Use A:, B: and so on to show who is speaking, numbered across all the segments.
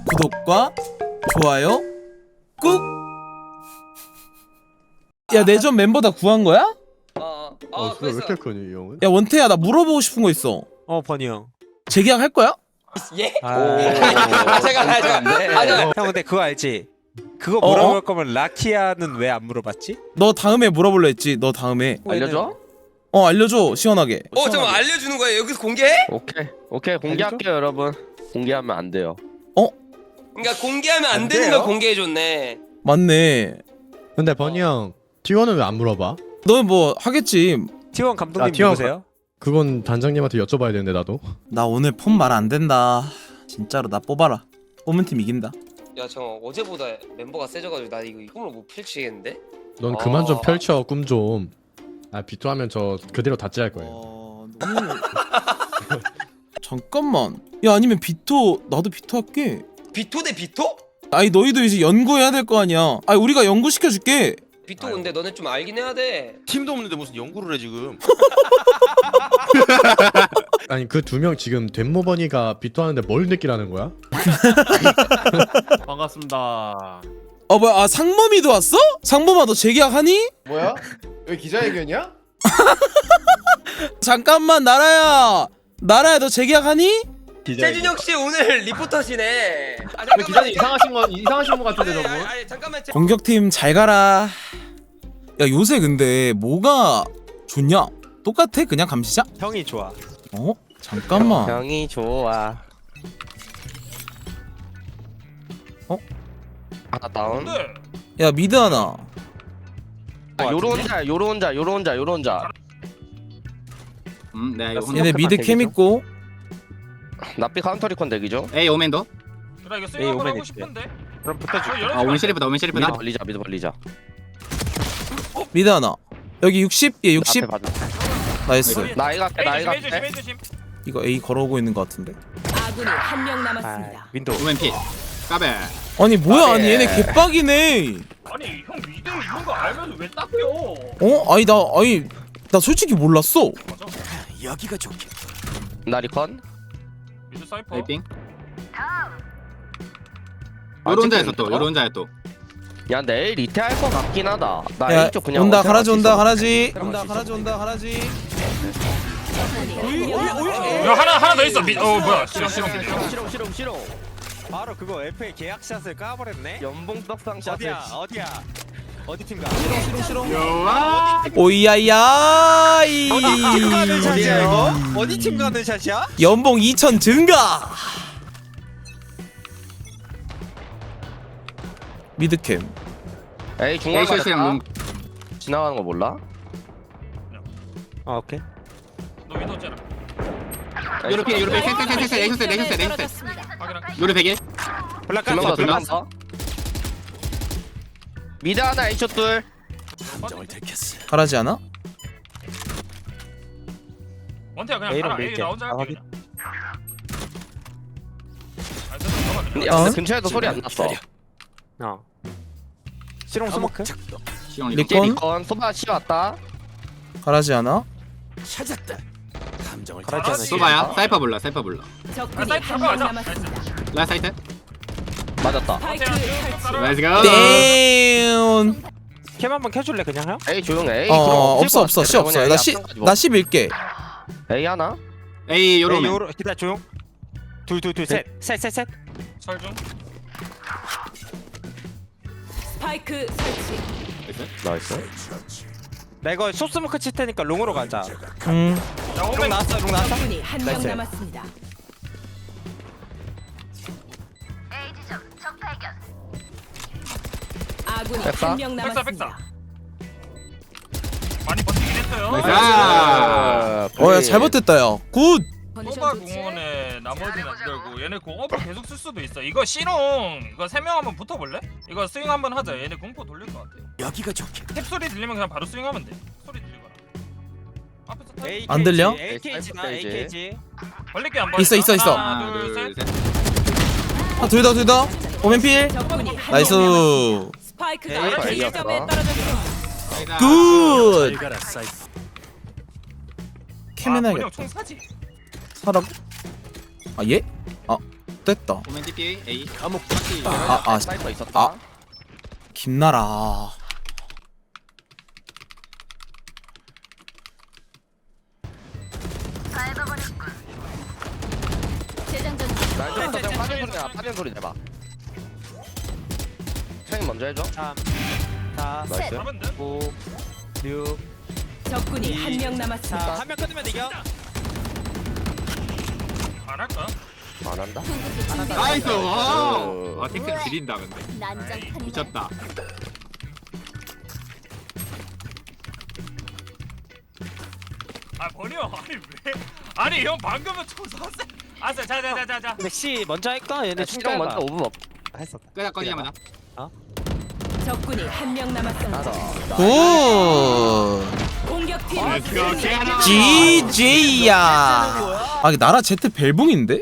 A: 구독과 좋아요 꾹. 야, 내전 멤버 다 구한 거야?
B: 진짜 왜 이렇게 크니 이 형은?
A: 야, 원태야, 나 물어보고 싶은 거 있어.
C: 버니 형.
A: 재계약 할 거야?
D: 예?
C: 잠깐.
D: 아니야.
C: 형 근데 그거 알지? 그거
A: 어?
C: 물어볼 거면 라키아는 왜 안 물어봤지?
A: 너 다음에 물어볼래 했지. 너 다음에.
D: 알려줘?
A: 알려줘, 시원하게.
D: 잠깐 알려주는 거야? 여기서 공개해?
E: 오케이 공개할게요 여러분. 공개하면 안 돼요.
D: 그러니까 공개하면 안 되는
C: 돼요?
D: 걸 공개해줬네.
A: 맞네.
B: 근데 버니 형 T1은 왜 안 물어봐?
A: 너는 뭐 하겠지.
C: T1 감독님
B: T1
C: 누구세요?
B: 그건 단장님한테 여쭤봐야 되는데 나도.
A: 나 오늘 폰 말 안 된다. 진짜로 나 뽑아라. 뽑은 팀 이긴다.
D: 야 잠깐 어제보다 멤버가 세져가지고 나 이거 꿈을 못 펼치겠는데?
B: 넌 그만 좀
D: 아.
B: 펼쳐 꿈 좀. 아 비토하면 저 그대로 다찌할 거예요.
A: 너무... 잠깐만. 야, 아니면 비토, 나도 비토 할게.
D: 비토 대 비토?
A: 아니, 너희도 이제 연구해야 될 거 아니야. 아니, 우리가 연구 시켜줄게.
D: 비토 근데 너네 좀 알긴 해야 돼.
F: 팀도 없는데 무슨 연구를 해 지금?
B: 아니 그 두 명 지금 덴모 버니가 비토하는데 뭘 느끼라는 거야?
G: 반갑습니다.
A: 뭐야, 상범이도 왔어? 상범아, 너 재계약하니?
H: 뭐야? 여기 기자회견이야?
A: 잠깐만, 나라야, 너 재계약하니?
D: 최준혁 씨 오늘 리포터시네.
H: 근데 기자님 이상하신 분 같은데 저분.
D: 아니 잠깐만.
A: 공격팀 잘 가라. 야, 요새 근데 뭐가 좋냐? 똑같아? 그냥 감시자?
C: 형이 좋아.
A: 잠깐만.
E: 형이 좋아. 하나 다운.
A: 야, 미드 하나.
E: 요런 자.
H: 네, 이거
A: 얘네 미드 캠 있고.
E: 나비 카운터 리콘 대기죠.
H: 에이 오맨도.
G: 나 이거
C: 에이,
G: 스윙 한번
C: 오멘
G: 하고
C: 있대.
G: 싶은데.
C: 그럼 붙어줄게.
H: 오맨 셰리프다. 오맨 셰리프다.
E: 미드 벌리자.
A: 미드 하나. 여기 60? 얘 60?
E: 앞에 봐줘.
A: 나이스.
E: 나 이거 할게. 나 이거
G: 조심,
E: 할게.
G: 조심.
A: 이거 A 걸어오고 있는 거 같은데.
I: 아군이 한 명 남았습니다.
C: 윈도우.
H: 오맨 피. 까베.
A: 아니, 뭐야.
E: 아,
A: 아니,
E: 예.
A: 얘네 개빡이네.
G: 아니 형 미드 있는 거 알면서 왜 닦여?
A: 아니, 나 솔직히 몰랐어.
E: 나 리콘.
G: 미드 사이퍼.
H: 에이핑. 요런 자에서 또. 요런 자에 또.
E: 야 내일 리테 할 거 같긴 하다. 나
A: 야,
E: A쪽 그냥
A: 온다,
E: 어떻게
A: 가라지
E: 할수
A: 온다,
E: 있어?
A: 가라지. 온다, 가라지.
G: 야 하나 더 있어. 뭐야?
E: 싫어.
C: 바로 그거 FA 계약샷을 까버렸네.
E: 연봉 떡상 샷을.
C: 어디야? 어디 팀 가?
A: 오이야야이.
C: 어디 팀 가는 샷이야 이거? 어디 팀 가는 샷이야?
A: 연봉 2천 증가. 미드캠.
E: 에이 중간
H: 에이쇼스랑
E: 가렸다. 지나가는 거 몰라?
C: 오케이.
G: 너 미드 없잖아.
H: 요런 피. 요런 피. 넥서스.
G: 확인할게.
H: 요런 100일.
C: 블락까지.
E: 두명 더.
H: 둘러?
E: 미드 하나 A쇼 둘.
A: 가라지 않아?
G: 원태야 그냥
C: A로
G: 가라. A
C: 밀게.
G: 나 혼자
C: 아,
G: 할게
C: 확인.
G: 그냥. 아, 잠깐만.
E: 야 근데 근처에도 소리 안 났어.
C: 실용 스모크.
H: 시영
A: 리콘?
H: 리콘.
E: 리콘 소바 씨 왔다.
A: 가라지 않아?
C: 가라지 않아.
H: 소바야. 사이퍼 불러.
I: 적군이
G: 사이트
I: 한
G: 가자.
I: 명 남았습니다.
H: 라사이트
E: 맞았다.
I: 스파이크 설치.
H: 렛츠 고.
A: 땡.
C: 캠 한번 켜줄래 그냥 형?
E: 에이 조용해. 에이
A: 없어. 씨 없어. 나 11개.
E: 에이 하나.
H: 에이 요런.
C: 에이, 요로 기다 조용. 둘 셋.
G: 설중.
I: 스파이크 설치.
E: 나이스.
C: 나 이거 쇼스모크 칠 테니까 롱으로 가자.
G: 야
C: 롱
G: 오멘.
C: 나왔어.
I: 적군이 한 명
C: 나이스.
I: 남았습니다. 아군이
E: 백사?
I: 한 명
G: 백사,
I: 남았습니다.
G: 많이 버티긴 했어요.
H: 나이스.
A: 야, 잘 버텼다, 야. 굿.
G: 소바 공원에 나머지는 안 들고 얘네 공업을 계속 쓸 수도 있어. 이거 C롱 이거 3명 한번 붙어볼래? 이거 스윙 한번 하자. 얘네 공포 돌릴 것 같아. 여기가 좋게. 탭 소리 들리면 그냥 바로 스윙하면 돼. 소리 들리거나. 앞에서 탭.
C: AKG,
A: 안 들려?
C: AKG나 AKG.
G: 벌릴게 안 벌릴게.
A: 있어.
G: 하나,
H: 하나
G: 둘, 셋.
H: 둘 셋.
A: 둘 다. 오맨필.
I: 적군이 한
A: 나이스.
I: 명 남았습니다. 스파이크가
E: 에이,
I: A
E: 에이였다.
I: 지점에 떨어졌습니다.
A: 굿. 캠
G: 아,
A: 해놔야겠다.
G: 총 사지.
A: 사라고? 얘? X됐다.
H: 오멘 TP A.
E: 감옥
A: 아,
E: 사이퍼 있었다.
A: 아. 김나라.
I: 재장전.
E: 날좀 파전 소리 내봐. 파전 소리 내봐. 형이 먼저 해줘.
C: 3 4
E: 나이스.
G: 하면 돼?
C: 5 6
I: 적군이 한 명 남았습니다.
C: 4 한 명 끊으면 이겨.
G: 안 할까?
E: 안 한다.
H: 나이스.
E: 어.
H: 아 탱크 지린다 근데. 미쳤다.
G: 아 버려. 아니 왜? 아니 형 방금은 초사세. 아싸 자자자자자.
C: 근데 C 먼저 할까? 얘네
E: 충격 먼저 5분 없.
C: 했었다.
H: 끄자 꺼지자 마자.
I: 적군이 한 명 남았습니다.
A: 굿.
I: 공격팀
A: GJ야. 아, 이게 나라 제트 벨붕인데?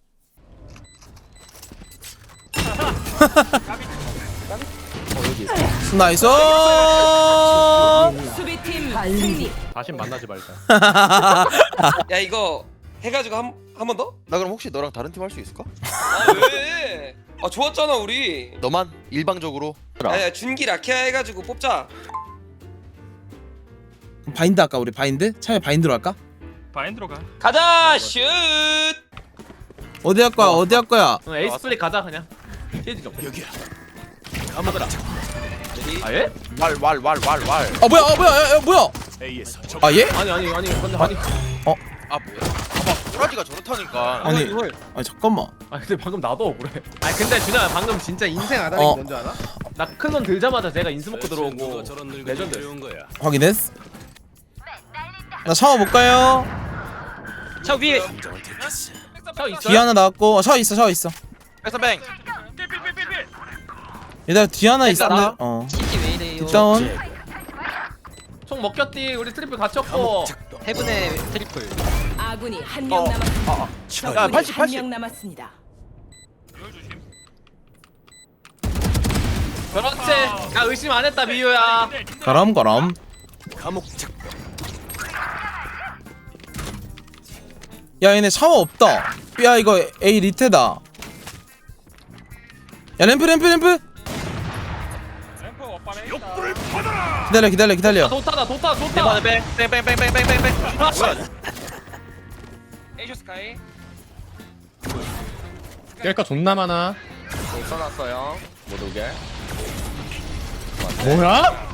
A: 나이스.
I: 수비팀 승리.
B: 다시 만나지 말자.
D: 야 이거 해가지고 한 번 더?
F: 나 그럼 혹시 너랑 다른 팀 할 수 있을까?
D: 아 왜? 아 좋았잖아 우리.
F: 너만 일방적으로.
D: 야 준기 라키아 해가지고 뽑자.
A: 바인드 할까 우리 바인드? 차라리 바인드로 할까?
G: 바인드로 가.
D: 가자 슛.
A: 어디 할 거야? 어디 할 거야?
E: 에이스 스플릿 가자 그냥. 시즈 좀. 여기야. 아무거나. 아 예?
F: 왈.
A: 아 뭐야? 아 뭐야? 야, 뭐야? 아 예?
E: 아니 근데 아니.
F: 아 뭐야? 봐봐 꼬라지가 저렇다니까.
A: 아니 잠깐만.
E: 아 근데 방금 나도 억울해. 아 근데 준영아 방금 진짜 인생 아다리
A: 어.
E: 뭔지 알아? 나 큰 놈 들자마자 제가 인스모크 들어오고 레전드.
A: 확인했어? 나 샤워 못 가요.
C: 저 위에
E: 저 있어요?
A: 뒤 하나 나왔고 샤워 있어 샤워 있어.
F: 백서뱅.
G: 필필필필필.
A: 얘들아 뒤 하나
E: 있잖아.
A: 있었네. 어.
C: CT 왜 이래요?
A: 뒷다운.
E: 총 먹혔디. 우리 트리플 갇혔고.
C: 헤븐의 트리플.
I: 아군이 한 명 남았습니다.
F: 야
I: 적군이
F: 80.
I: 한 명 남았습니다.
G: 이거 조심.
E: 그렇지. 나 의심 안 했다 미유야.
A: 가람 가람. 야 얘네 샤워 없다. 야 이거 A 리테다. 야 램프.
G: 램프 오빠네.
A: 기다려.
E: 좋다.
F: 뺑뺑뺑뺑뺑뺑뺑.
D: 에이쇼 스카이.
B: 깰까 존나 많아.
E: 써놨어요. 못 오게.
B: 뭐야?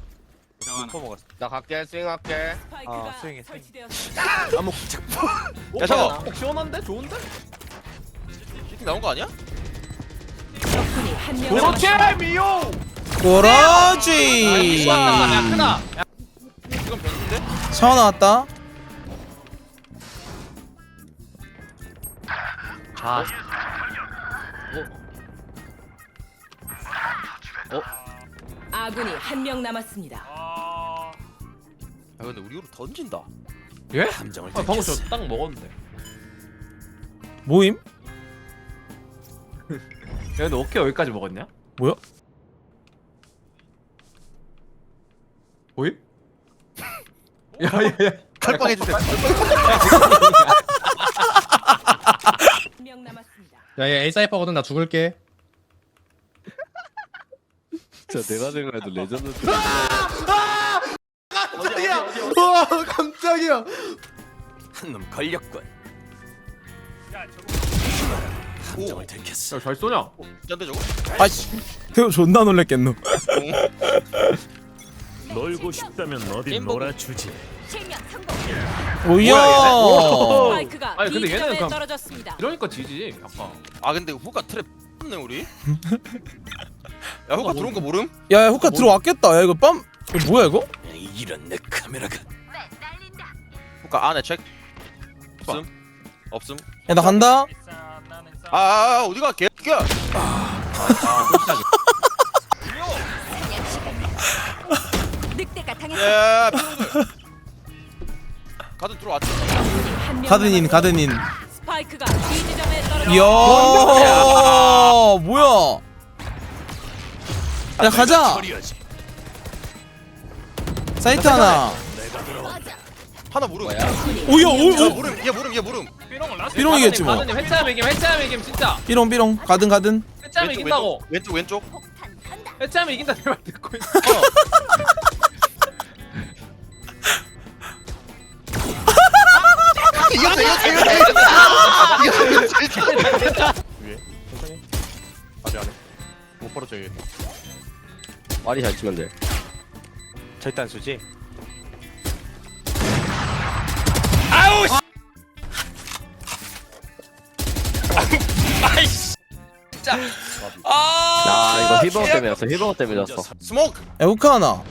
E: 나 갈게. 스윙할게.
I: 스파이크가
C: 스윙해, 스윙.
I: 설치되었습니다.
F: 야 잠깐.
E: 시원한데? 좋은데?
F: CT 나온 거 아니야?
I: 적군이 한 명
E: 그렇지
I: 남았습니다.
E: 미유.
A: 그렇지.
E: 야 크다.
F: 이건 별론데?
A: 샤워 나왔다.
E: 아.
I: 아군이 한 명 남았습니다.
G: 아.
F: 야 근데 우리 으로 던진다.
E: 예? 방금 저 딱 먹었는데.
A: 모임?
E: 야 근데 어깨 여기까지 먹었냐?
A: 뭐야?
E: 보임? 야야야.
F: 칼빵 해주세요.
I: 한 명 남았습니다.
B: 야얘 A 사이퍼거든. 나 죽을게.
E: 진짜 내가 생각해도 레전드.
B: 깜짝이야. 와 깜짝이야.
G: 야 저거.
E: 야잘 쏘냐?
F: 짠데 저거?
A: 아씨. 태우 존나 놀랬겠노.
J: 놀고 싶다면 어디 놀아주지.
I: 실명 성공.
A: 오야.
I: 스파이크가
E: 아니, 근데
I: B
E: 얘는
I: 지점에
E: 그냥-
I: 떨어졌습니다.
E: 이러니까 지지. 아까.
F: 아 근데 후가 트랩 네 우리. 야 후가 들어온 거 모름?
A: 야 후카 들어왔겠다. 야 이거 빰. 이거 뭐야 이거?
J: 이런 내 카메라가.
F: 후가 안에 책. 없음.
A: 야 나 간다.
G: 비싸 나는 싸.
F: 아 어디가 개야?
I: 늑대가 당했어.
F: 야 피로들. 가든 들어왔지.
I: 한 명
A: 가든인
I: 남았습니다.
A: 가든인.
I: 스파이크가 B 지점에 떨어졌습니다.
A: 이야 뭐야? 야 가자.
J: 처리하지.
A: 사이트 하나.
F: 하나 모름.
A: 오야
F: 야
A: 오.
F: 모름. 얘 모름.
G: 삐 삐롱은 라스트.
A: 삐롱이겠지 뭐.
E: 가드님 해체하면 이김 진짜.
A: 삐롱 가든.
E: 해체하면 이긴다고.
F: 왼쪽
E: 해체하면 이긴다 내 말 듣고 있어.
B: 위에 천천히 아직 안해 못 벌어져야겠다.
H: 말이 잘 치면 돼.
J: 절단 수지.
D: 아이씨 진짜
H: 야 이거 힐버거 때문이었어. 힐버거 때문에 졌어.
D: 스모크
A: 야 후카 하나.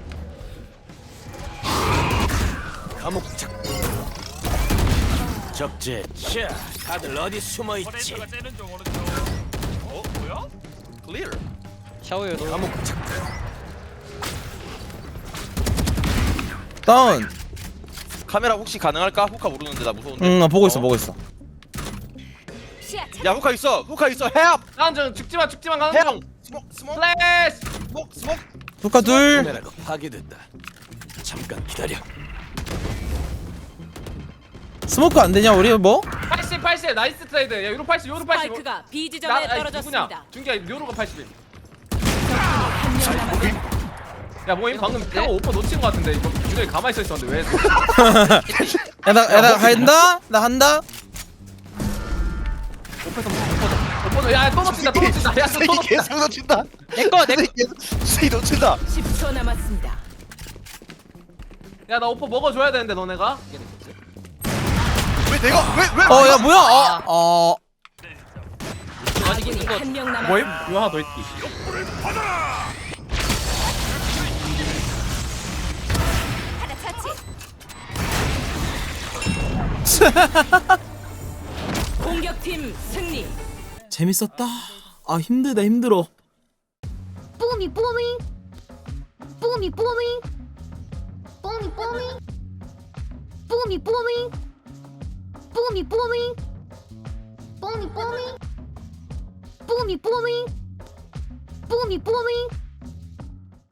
J: 적재. 자, 다들 어디 숨어 있지?
G: 퍼레이터가 째는 중 오른쪽. 뭐야?
F: 클리어
C: 샤오요 너.
A: 다운.
F: 카메라 혹시 가능할까? 후카 모르는데 나 무서운데
A: 응, 나 보고 있어.
I: 시야
F: 야 후카 있어 헬프
E: 나는 죽지만 가는 중.
F: 헬프 스모크
E: 플래시.
F: 스모크
A: 후카 둘.
J: 카메라가 파괴된다. 잠깐 기다려.
A: 스모크 안 되냐 우리 뭐?
E: 80 나이스 트레이드. 야 요로 80
I: 스파이크가 B 지점에 떨어졌습니다.
E: 누구냐? 준기야 요로가 81.
I: 한명 남았습니다.
E: 야 모임 방금 태워 오퍼 놓친 거 같은데 이거 준경이 가만히 서 있었는데 왜?
A: 나 한다.
E: 오퍼 야또 놓친다. 야또 놓친다.
F: 계속 놓친다
C: 내꺼
F: 수이 놓친다
I: 10초 남았습니다.
E: 야 나 오퍼 먹어줘야 되는데 너네가.
F: 왜 내가 왜
A: 어, 야 뭐야?
I: 아군이 한명
E: 모임?
I: 남았습니다.
E: 이거 하나 더 있기.
I: 하나 차치. 공격팀 승리.
A: 재밌었다. 아 힘들어.
I: 뽀미 뽀미. 뽀미 뽀미. 뽀미 뽀미. 뽀미 뽀미. 뽀미 뽀미. 뽀미 뽀미. 뽀미 뽀미. 뽀미 뽀미.